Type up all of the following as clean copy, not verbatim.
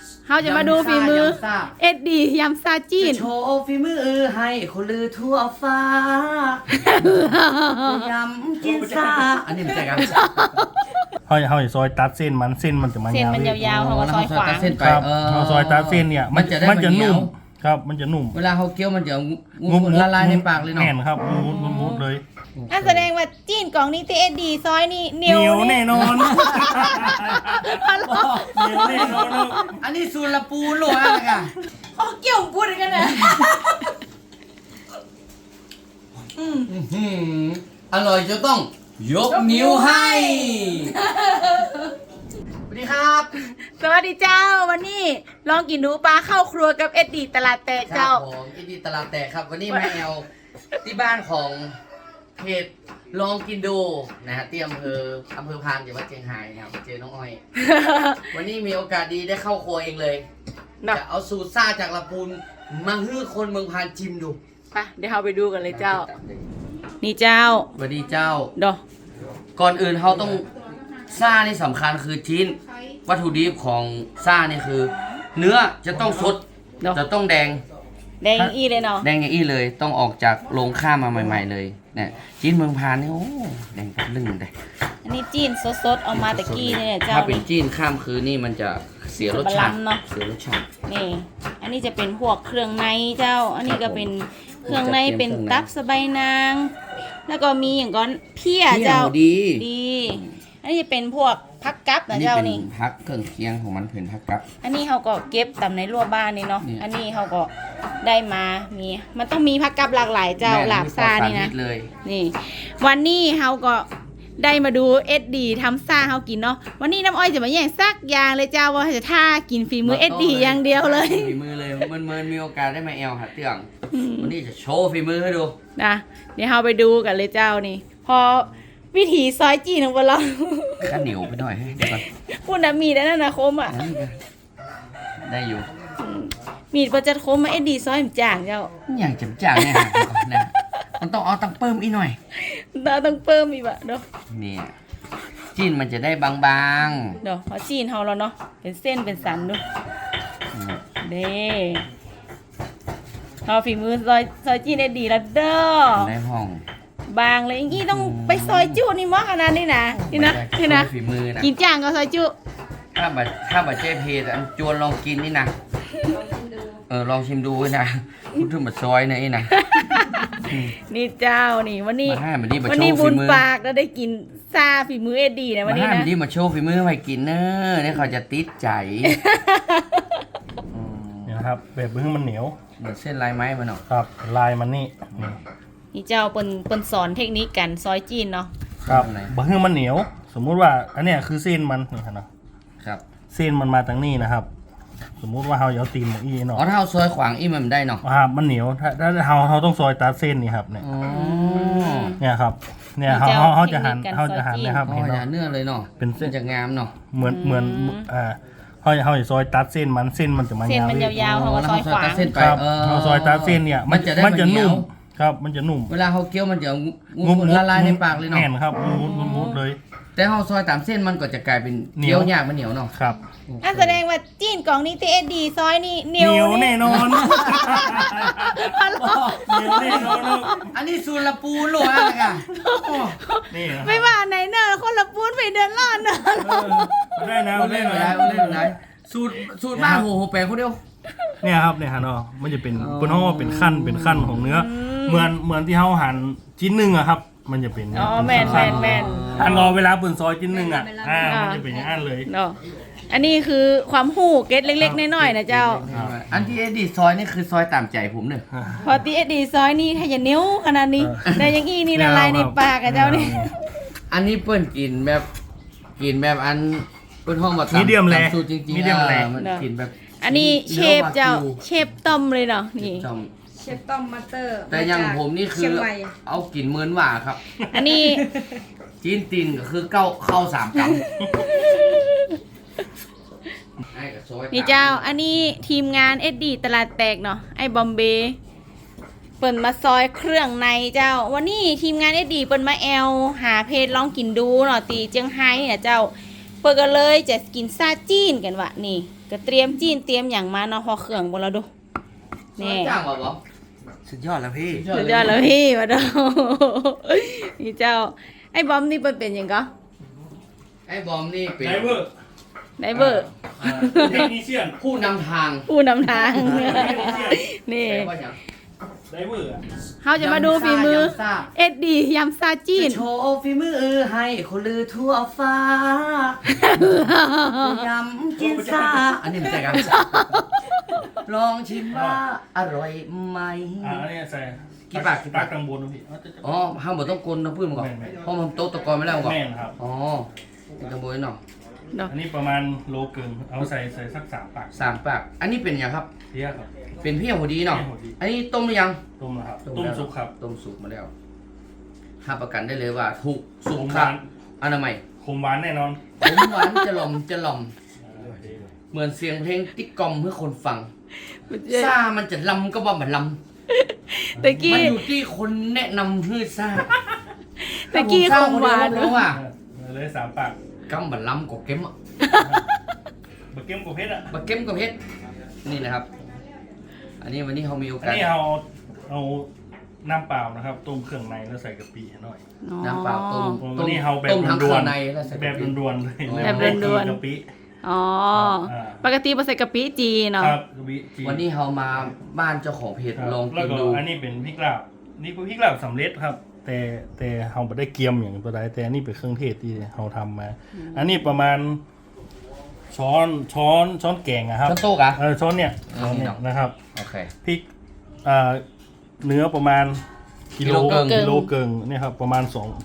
เขาจะมาดูฝีมือเอ็ดดี้ยำซาจีนจะโชว์ฝีมือให้คนลือทั่วฟ้า ยำกินซาอันนี้มันใจกันเขาจะซอยตัดเส้นมันจะมันเส้นมันยาวๆเขาก็ซอยขวางเส้นไปครับเขาซอยตัดเส้นเนี่ยมันจะนุ่มครับมันจะนุ่มเวลาเขาเคี้ยวมันจะละลายในปากเลยเนาะแน่นครับมุดเลยนั่นแสดงว่าจีนกล่องนี้ที่เอ็ดดี้ซอยนี่เหนีเหนียยว วแน่นอนเหนียวแน่นอนอันนี้สูตรละปูหลวงอะไรกันเขาเกี่ยวพูดกันนะอร่อยจะต้องยกนิ้วให้สวัสดีครับสวัสดีเจ้าวันนี้ลองกินดูปลาเข้าครัวกับเอ็ดดี้ตลาดแตกครัเจ้าบผมอินดีตลาดแตกครับ วันนี้แม่แอลที่บ้านของเพจลองกินดูนะฮะที่อำเภอพานจังหวัดเชียงรายนะครับเจอน้องอ้อย วันนี้มีโอกาสดีได้เข้าครัวเองเลยเนาะจะเอาสูตรซ่าจากลำพูนมาให้คนเมืองพานชิมดูไปเดี๋ยวเราไปดูกันเลยเจ้า นี่เจ้าสวัสดีเจ้าดอก่อนอื่นเขาต้องซ่านี่สำคัญคือชิ้นวัตถุดิบของซ่านี่คือ เนื้อจะต้องสดเนาะจะต้องแดงแดงอี้เลยเนาะแดงอย่างอี้เลยต้องออกจากโรงฆ่ามาใหม่ๆเลยเนี่ยชิ้นเมืองพานนี่โอ้แดงกับลึ่งเลยอันนี้จีนสดๆเอามาตะกี้เนี่ยเจ้าถ้าเป็นนี่จีนข้ามคืนนี่มันจะเสียรสชาติบาลานซ์เนอะเสียรสชาตินี่อันนี้จะเป็นพวกเครื่องในเจ้า อันนี้ก็เป็นเครื่องในเป็นตับสะใบายนาง แล้วก็มีอย่างก้อนเพี้ยเจ้าดีดี อันนี้จะเป็นพวกพักกับนะเจ้านี่พักเครื่องเคียงของมันเป็นพักกับอันนี้เขาก็เก็บตำในรั้วบ้านนี่เนาะนี่อันนี้เขาก็ได้มามีมันต้องมีพักกับหลากหลายเจ้าแม่หลาบซานี่นะมีปลอดสรพิษเลยนี่ วันนี้เขาก็ได้มาดูเอ็ดดีทำซ่าเขากินเนาะ วันนี้น้ำอ้อยจะมาแย่งซักอย่างเลยเจ้าว่าจะท่ากินฝีมือเอ็ดดีอย่างเดียวเลยฝีมือเลยมันมีโอกาสได้มาแอลหาเตื้องวันนี้จะโชว์ฝีมือให้ดูนะเดี๋ยวเราไปดูกันเลยเจ้านี่ พอวิถีซอยจีนของเราข้าเหนียวไปหน่อยให้เดี๋ยวก่อนพูดนะมีดนั่นนะคมอ่ะอันนี้ก็ได้อยู่มีดประจัดคมมาเอ็ดดีซอยมนจ่างเจ้าอย่างจำจ่างเนี่ยหาก่อนนะมันต้องเอาตังเพิ่มอีกหน่อยเราต้องเพิ่มอีกบะเนาะเนี่ยจิ้นมันจะได้บางเนาะพอจีนเขาแล้วเนาะเป็นเส้นเป็นสันดูๆเด้เอาฝีมือซอยจีนได้ดีแล้วเด้อได้ห้องบางเลยอย่างงี้ต้องไปซอยจุนี่มั้งขนาดนี้นะนี่นะนี่นะฝีมือนะกินจ่างก็ซอยจุถ้าบัดเจ๊เพจอันจวนลองกินนี่นะลองชิมดูไว้นะพูดถึงบัดซอยเนี่ยไอ้นะนี่เจ้านี่วันนี้มาให้มันนี่มาวันโชนี้ว์บุฝีญมือปากแล้วได้กินซาฝีมือเอ็ดดีนะวันนี้มาให้นะมันนี่มาโชว์ฝีมือให้กินเนอะเนี่ยเขาจะติดใจเนี่ยนะครับแบบเบื้องมันเหนียวเหมือนเส้นลายไม้มันเนาะครับลายมันนี่นี่นี่เจ้าเปิ้นสอนเทคนิคกันซอยจีนเนาะครับเบื้องมันเหนียว สมมุติว่าอันเนี้ยคือเส้นมันนี่ครับเนาะครับเส้นมันมาทางนี้นะครับ สมมุติว่าเราเอาตีนหมกอีเนาะอ๋อถ้าเอาซอยขวางอีมันได้เนาะมันเหนียวถ้าเราต้องซอยตัดเส้นนี่ครับเนี่ยอ๋อเนี่ยครับเนี่ยเขาจะหั่นนะครับอ๋อเห็นอย่าเนาะเนื้อเลยเนาะเป็นเส้นจะงามเนาะเหมือนเขาจะซอยตัดเส้นมันจะมันเส้นมันยาวๆเขาก็ซอยขวางเส้นไปครับเขาซอยตัดเส้นเนี่ยมันจะนุ่มครับมันจะนุ่มเวลาเขาเคี้ยวมันจะละลายในปากเลยเนาะแน่นครับมุดเลยแต่เขาซอยตามเส้นมันก็จะกลายเป็นเหนีเคี้ยยว วยากมันเหนียวเนาะครับนั่นแสดงว่าจีนกล่องนี้ที่เอ็ดดีซอยนี่เหนีเหยวนียวแน่นอนเหนียวแน่นอนอันนี้สูตรละปูหลวงอะไรกันนี่นะไม่ว่าไหนเนอะคนละปูนไปเดินล่อนเนอะได้นะเล่นไหนสูตรบ้าโหแปลคนเดียวเนี่ยครับเนี่ยฮะเนาะมันจะเป็นเป็นห้องว่าเป็นขั้นของเนื้อเหมือนที่เขาหั่นชิ้นหนึ่งอะครับ มันจะเป็นอ๋อแมนอันรอเวลาเปิดซอยชิ้นหนึ่งอะมันจะเป็นอย่างนั้นเลยเนาะอันนี้คือความหู้เก็ตเล็กๆน้อยๆนะเจ้าอันที่เอ็ดดี้ซอยนี่คือซอยตามใจผมเนี่ยพอตีเอ็ดดีซอยนี่ถ้าอย่านิ้วขนาดนี้แต่อยังอี้นี่ละลายในปากอะเจ้านี่อันนี้เปิ้นกินแบบอันเปิ้นห้องมามีเดียมแลสูตรจริงๆมีเดียมแลมันกินแบบอันนี้เชฟเจ้าเชฟต้มเลยเนาะนี่จอมเชฟต้อมมาสเตอร์แต่อยังผมนี่คืเชียองใหม่เอากินเหมือนหว่าครับอันนี้จีนตินก็คือเข้าสามกำไอ้กับซอยนี่เจ้า อันนี้ทีมงานเอ็ดดีตลาดแตกเนาะไอ้บอมเบย์เปิดมาซอยเครื่องในเจ้า วันนี้ทีมงานเอ็ดดีเปิดมาแอลหาเพจลองกินดูเนาะตีเจียงไฮ้เนี่ยเจ้าเปิดกันเลยจะกินซาจีนกันวะนี่ก็ก็เตรียมจีนเตรียมอย่างมาเนาะพอเครื่องบ่แล้วดูนี่นี่จ้างว่าบ่สุดยอดแล้วพี่สุดยอดแล้วพี่มาดู นี่เจ้าไอ้บอมนี่เปิ้นเป็นหยังก็ไอ้บอมนี่เป็นไดเวอร์ไดเวอร์เทคนิเชียนผู้นำทางผู้นำทาง นี่แปลว่าหยังไดเวอร์อะเฮาจะมาดูฝีมือยำซ่าเอ็ดดียำซาจีนจะโชว์ฝีมือให้คนลือทั่วฟ้า ยำกินซ่าอันนี้ไม่ใช่กันลองชิมว่าอร่อยไหมอันนี้ใส่กี่ปากตักตังบนนะพี่อ๋อห้ามบ่ต้องกลนนะพูดมาก่อนแม่นๆเพราะมันโต๊ะตะกอนไม่แล้วก่อนแม่นครับอ๋อเป็นกระบวยเนาะอันนี้ประมาณโลเกินเอาใส่สัก3 ปาก 3 ปาก อันนี้เป็นยังครับเทียครับเป็นเพี้ยหัวดีเนาะเพี้ยหัวดีอันนี้ต้มหรือยังต้มนะครับต้มสุกครับต้มสุกมาแล้วห้ามประกันได้เลยว่าถูกสุขกมหค่ะวานอนามัยขมหวานแน่นอนผมหวานจะหล่อมจะหล่อม เหมือนเสียงเพลงติ๊กกอมเพื่อคนฟังซ่ามันจะลำก็ว่ามันลำตะกี้มันอยู่ที่คนแนะนำฮือซ่าตะกี้ถ้าขผองมหวานซ่คนเดียวผมรู้ว่าเลย3 ปากกำบัดลำกบเก็มอ่ะบะเก็มกับเพชรอ่ะบัดเก็มกับเพชรนี่นะครับ อันนี้วันนี้เขามีโออันกาสนี้เอาน้ำเปล่านะครับต้มเครื่องในแล้วใส่กะปิให้หน่อยน้ำเปล่าต้มวันนี้เอาแบบต้มทั้งด่เควรื่อน งในแล้วใส่ๆแบบด่วนๆเลยแบบด่วนๆกะปิอ๋ออ่าปกติบ่ใส่กะปิจีเนาะครับกะปิจีวันนี้เขามาบ้านเจ้าของเพจครับลองแล้กิวน ก็ดูอันนี้เป็นพริกลาบนี่เป็นพริกลาบสำเร็จครับ แต่เราไม่ได้เกียมอย่างตัวใดแต่อันนี้เป็นเครื่องเทศที่เราทำมา อันนี้ประมาณช้อนแกงอะครับช้อนโต๊ะอะช้อนเนี่ยอ่าช้อนเนี่ยเนาะนะครับโอเคพริกเนื้อประมาณกิโลกิโลเกินเกิงเนี่ยครับประมาณ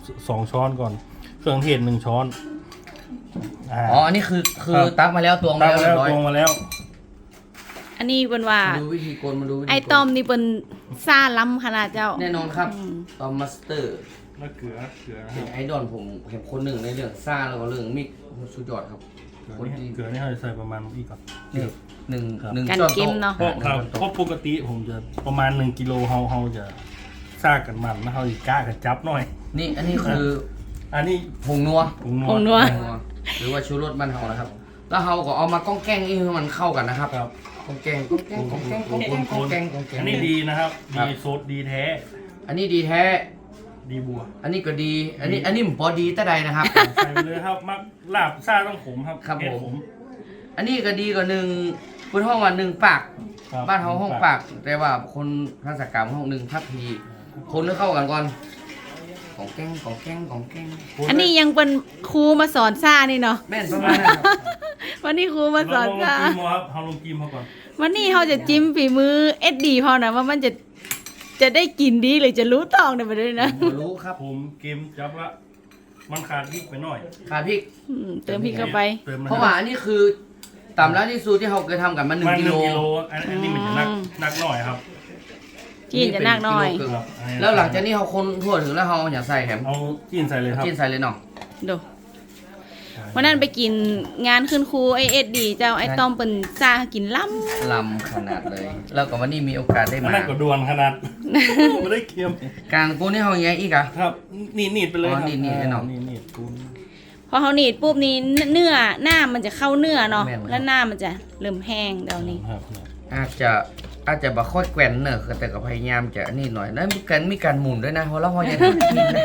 2ช้อนก่อน เครื่องเทศ1 ช้อนอ๋ออันนี้คือครับตักมาแล้วตวงมาตั้งแล้วแล้เรีวยบร้อยตวงมาแล้วอันนี้เปิ้นว่ามาดูวิธีกลมาดูวิธีกลไอ้ต้อมนี่เปิ้นซ่าล้ำขนาดเจ้าแน่นอนครับอืมตอมมาสเตอร์แล้วเกลือนะคเป็นรับไอดอลผมเห็นคนหนึ่งในเรื่องซ่าแล้วก็เรื่องมิกโอ้โหสุดยอดครับ คนที่เกลือนี่เราจะใส่ประมาณนี้ก่อนนี่หนึ่งครับหนึ่งกันช้อนเค็มโต๊ะเนาะเพราะครับหนึ่งช้อนเพโต๊ะราะปกติผมจะประมาณ1 กิโลเราจะซากกันมันแล้วเราจะกล้ากันจับหน่อยนี่อันนี้คืออันนี้ผงนัวผงนัผงนัวผงนัวหรือว่าชูรสบ้านเฮานะครับ แล้วเฮาก็เอามาก้องแกล้งให้มันเข้ากันนะครับครับก้องแกล้งก้องแกล้งก้องแกล้งก้องแกล้งก้องแกล้งก้องแกล้งอันนี้ดีนะครับครับดีโซดดีแท้อันนี้ดีแท้ดีบัวอันนี้ก็ดี อันนี้ผมพอดีแต่ใดนะครับใส่ไปเลยครับมักลาบซ่าต้องขมครับครับเผ็ดผม อันนี้ก็ดีกว่าหนึ่งคุณห้องว่า1 ปากครับ้านเฮาห้องปาก แต่ว่าคนภาษากรรมห้อง1 ทัพพีคนให้เข้ากันก่อนของแกล้งของแกล้งของแกล้งอันนี้ยังเป็นครูมาสอนซ่านี่เนาะแม่นประมาณนั้นครับวันนี้ครูมาสอนลงซ่ากิมครับเราลงกิมเขาก่อนวันนี้เขาจะจิ้มฝีมือเอ็ดดีพอนะว่ามันจะได้กินดีหรือจะรู้ตองเนี่ยไปด้วยนะผมรู้ครับผมเกมจับว่ามันขาดพริกไปหน่อยขาพริกเติมพริกเข้าไปเติมเพราะว่าอันนี้คือตามร้านที่ซูที่เขาเคยทำกันมามัน 1 กิโลอันนี้มันจะนักหน่อยครับจีนจะนักหน่อยกิโลครึ่งครับแล้วหลังจากนี้เขาคนทั่วถึงแล้วเขาเอาอย่าใส่แหมเอาจีนใส่เลยครับกินใส่เลยเนาะดูวันนั้นไปกินงานขึ้นครูไอเอ็ดดีเจ้าไอต้อมเป็นซ่ากินล้ลำขนาดเลย แล้วก็วันนี้มีโอกาสได้อันมานั้นก็ดวนขนาด ไม่ได้เคียมกลางกูนี่เขาอย่างอีกอะครับนี่ไปเลยครับอ๋อนี่ให้หน่อยนี่กูำพอเขาหนีดปุ๊บนี้เนื้อหน้ามันจะเข้าเนื้อเนาะแม่นเลยแล้วหน้ามันจะเริ่มแห้งเดี๋ยวนี้ครับอาจจะบ่ค่อยแกว่นเนอะแต่ก็พยายามจะนี่หน่อยแล้วมีการหมุนด้วยนะเพราะเราพอยังกินนะ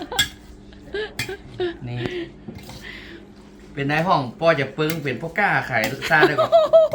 นี่ เป็นนายห้องปอจะปึ้งเป็นพวกกล้าขายซาได้ก่อน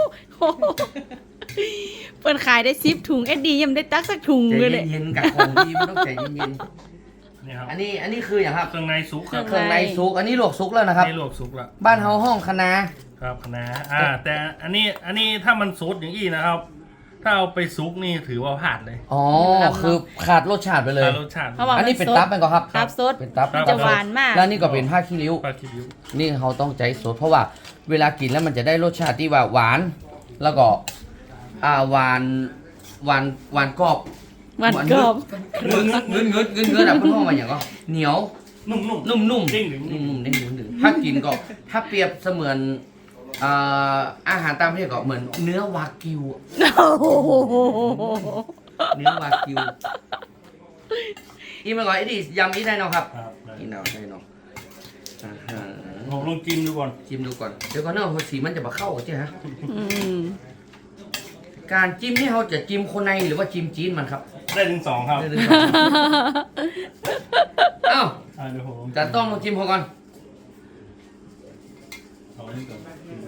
เปิดขายได้10 ถุงเอ็ดดียังไม่ได้ตักสักถุงใจเลยเย็นๆกับของดีมันต้องใจเย็นนี่ครับๆอันนี้คืออย่างครับเครื่องในซุกครับเครื่องในซุกอันนี้ลวกซุกแล้วนะครับนี่ลวกซุกละบ้านเฮาห้องคะนาครับคณะแต่อันนี้ถ้ามันซุดอย่างอี้นะครับ ถ้าเอาไปซุกนี่ถือว่าพลาดเลยอ๋อคือขาดรสชาติไปเลยแต่รสชาติเพราะว่าอันนี้เป็นตับเป็นก็ครับตับสดเป็นตับมันจะหวานมากแล้วนี่ก็เป็นผ้าขี้ริ้วปลาคิวนี่เขาต้องใจสดเพราะว่าเวลากินแล้วมันจะได้รสชาติที่ว่าหวาน แล้วก็หวานกรอบมันกรอบเงืดอ่ะเพื่อนพ่อมาอย่างก็เหนียวนุ่มนุ่มเด้งดึงนุ่มเด้งดึงถ้ากินก็ถ้าเปรียบเสมือนอาหารตามประเทศก็เหมือนเนื้อวากิวอะเนื้อวากิวอีกมาก่อนไอ้ดิยำอีได้เนาะครับครับอีเนาะได้เนาะผมลองจิ้มดูก่อนจิ้มดูก่อนเดี๋ยวก่อนเนาะสีมันจะมาเข้าใช่ไหมอืมการจิ้มนี่เขาจะจิ้มคนในหรือว่าจิ้มจีนมันครับได้ถึงสองครับได้เลยเอ้าเดี๋ยวผมลองจานต้มลองจิ้มเขาก่อนเอาอันนี้ก่อน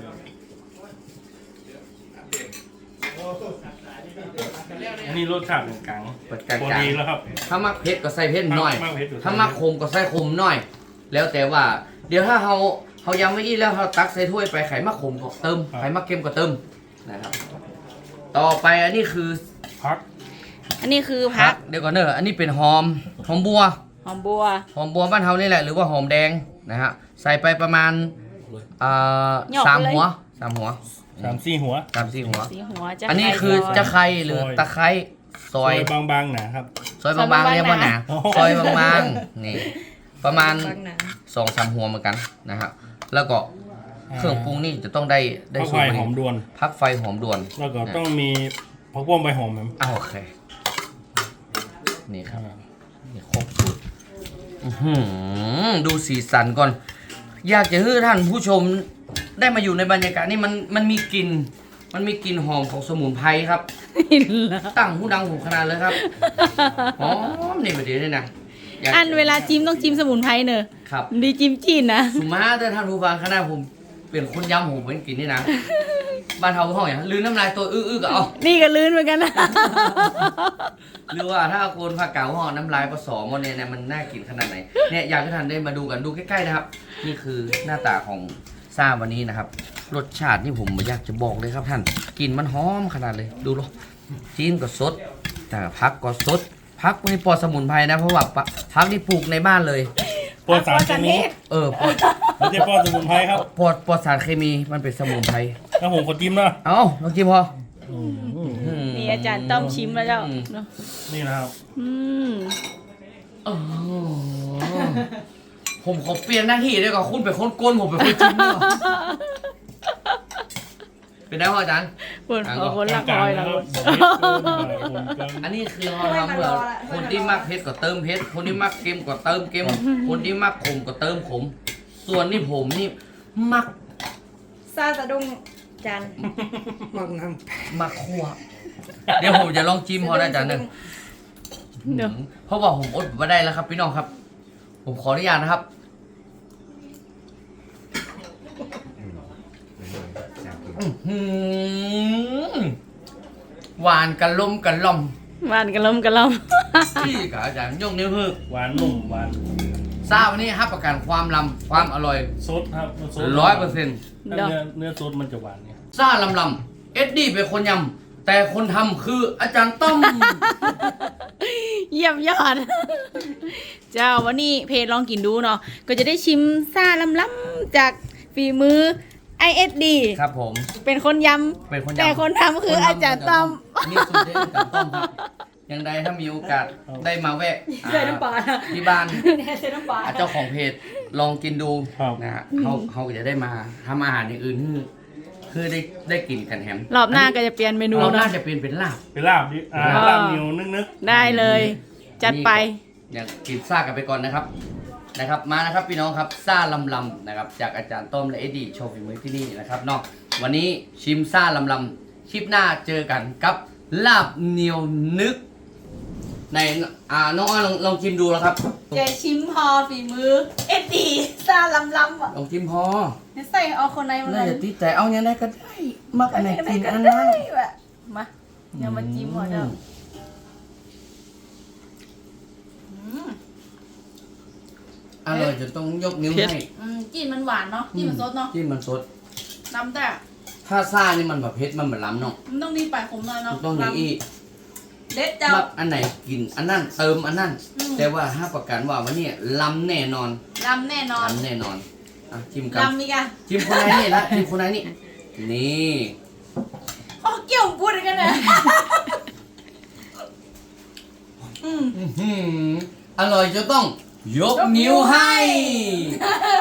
อันนี้รสชาติกลางเปิดกลางพอๆดีแล้วครับถ้ามักเผ็ดก็ใส่เผ็ดหน่อยมักเผ็ดอยู่ถ้ามักขมก็ใส่ขมหน่อย แล้วแต่ว่า เดี๋ยวถ้าเขายังไม่อี้แล้วเขาตักใส่ถ้วยไปไข่มักขมก็เติมไข่มักเค็มก็เติมนะครับ ต่อไปอันนี้คือพักอันนี้คือพักเดี๋ยวก่อนเนอะอันนี้เป็นหอมบัวหอมบัวหอมบัวบ้านเฮานี่แหละหรือว่าหอมแดงนะฮะใส่ไปประมาณสามหัว 3-4 หัว 3-4 หัวสีหัวจะอันนี้คือจะไคร้หรือตะไคร้ซอยบางๆหนะครับซอยบางๆเรียกว่าหนาโอ้ซอยบางๆนี่ประมาณบางหนา 2-3 หัวเหมือนกันนะฮะแล้วก็เครื่องปรุงนี่จะต้องได้พักสูไฟตรหอมด่วนพักไฟหอมด่วนแล้วก็ต้องมีผักบุ้งใบหอมครับโอเคนี่ครับนี่ครบสูตรอื้อหือดูสีสันก่อน อยากจะให้ท่านผู้ชมได้มาอยู่ในบรรยากาศนี่มันมีกลิ่นหอมของสมุนไพรครับ ตั้งหูดังหูขนาดเลยครับหอมนี่ประเดี๋ยวนี่นะยากอันเวลาจิ้มต้องจิ้มสมุนไพรเนอะครับดีจิ้มจีนนะสุมาแต่ท่านผู้ฟังขนาดผมเป็นคนย้ำผมเป็นกินนี่นะบ้านเฮาห้องอย่างลืมน้ำลายตัวอื้อๆก็เอานี่ก็ลื่นเหมือนกันนะหรือว่าถ้าคนภาคเก่าห่อน้ำลายผสมหมดเนี่ยมันน่ากินขนาดไหนเนี่ยอยากให้ท่านได้มาดูกันดูใกล้ๆนะครับ นี่คือหน้าตาของซ่าวันนี้นะครับ รสชาตินี่ผมอยากจะบอกเลยครับท่านกลิ่นมันหอมขนาดเลยดูหรอจีนก็สดแต่พักก็สดพักนี่ปลอดสมุนไพรนะเพราะว่าพักนี่ปลูกในบ้านเลยปลอดสารเคมีปลอดไม่ใช่ปลอดสมุนไพรครับปลอดสารเคมีมันเป็นสมุนไพรถ้าผมขอจิ้มนะเอ้าลองกินพอนี่อาจารย์ต้อมชิมแล้วเจ้าเนอะนี่นะครับอืมอ๋อผมขอเปลี่ยนหน้าที่ด้วยก่อนคุณเป็นคนก้นผมเป็นคนจิ้มเนี่ยเป็นได้พ่ออาจารย์คนเอาคนละกคลางอยๆละนะคครับนอันนี้คือเราทำเพื่อคนที่มักเผ็ดก็เติมเผ็ดคนที่มักเค็มก็เติมเค็มคนที่มักขมก็เติมขม ส่วนนี่ผมนี่มักซาสะดุ้งจันมักคั่วเดี๋ยวผมจะลองจิ้มพอได้อาจารย์หนึ่งเดี๋ยวเพราะว่าผมอดไม่ได้แล้วครับพี่น้องครับ ผมขออนุญาตนะครับอื้อหือหวานกะล่อมหวานกระลมกระลมที่กับอาจารย์ยกนิ้วคือหวานนุ่มหวานทราบวันนี้ครับประกันความลำความอร่อยซดครับมันซด 100% ถ้าเนื้อซดมันจะหวานเนี่ยซ่าลำเอ็ดดี้เป็นคนยำแต่คนทำคืออาจารย์ต้อมเยี่ยมยอด เจ้าวันนี้เพจลองกินดูเนาะก็จะได้ชิมซ่าล้ำๆจากฝีมือ ISD ครับผมเป็นคนยเป็นคนำยำแต่คนทำคืออาจารย์ต้อมนี่สุดเด็ดอาจารย์ต้อมครับยังใดถ้ามีโอกาสได้มาแวะใส่น้ำปลาที่บ้านใส่น้ำปลาเจ้าของเพจลองกินดูครับนะฮะเขาจะได้มาทำอาหารอย่างอื่นคือได้กินกันแฮมรอบหน้าก็จะเปลี่ยนเมนูเราเนาะน่าจะเป็นลาบเป็นลาบดิลาบเหนียวนึกได้เลย จัดไปอยากกินซ่ากันไปก่อนนะครับมานะครับพี่น้องครับซ่าลำนะครับจากอาจารย์ต้อมและเอ็ดดี้โชว์ฝีมือที่นี่นะครับเนาะวันนี้ชิมซ่าลำคลิปหน้าเจอกันกับลาบเหนียวนึกในน้องอ้อยลองชิมดูแล้วครับเจชิมพอฝีมือ SD ซ่าล้ำๆอ่ะลองชิมพอใส่เอาคนในมาเลน่าย จะติดใจเอาอย่างไรก็ได้มักอันไหนกินอันนั้นแบบมาเดี๋ยวมาจิ้มหัวเจ้าอร่อยจนต้องยกนิ้วให้กลิ่นมันหวานเนาะกลิ่นมันสดเนาะที่มันสดน้ำแต่ถ้าซ่านี่มันแบบเผ็ดมันเหมือนล้ำเนาะมันต้องดีไปขมหน่อยเนาะต้องอย่างอีเด็ดเจ้ามักอันไหนกินอันนั้นเติมอันนั้นแต่ว่าถ้าประกันว่าวันนี้ล้ำแน่นอนลำแน่นอนล้ำแน่นอนอ่ะชิมกันลำอีกอ่ะชิมคนไหนนี่ละชิมคนไหนนี่นี่โอ้เกี่ยวพูดกันเลยอื้อหืออร่อยจนต้องยกนิ้วให้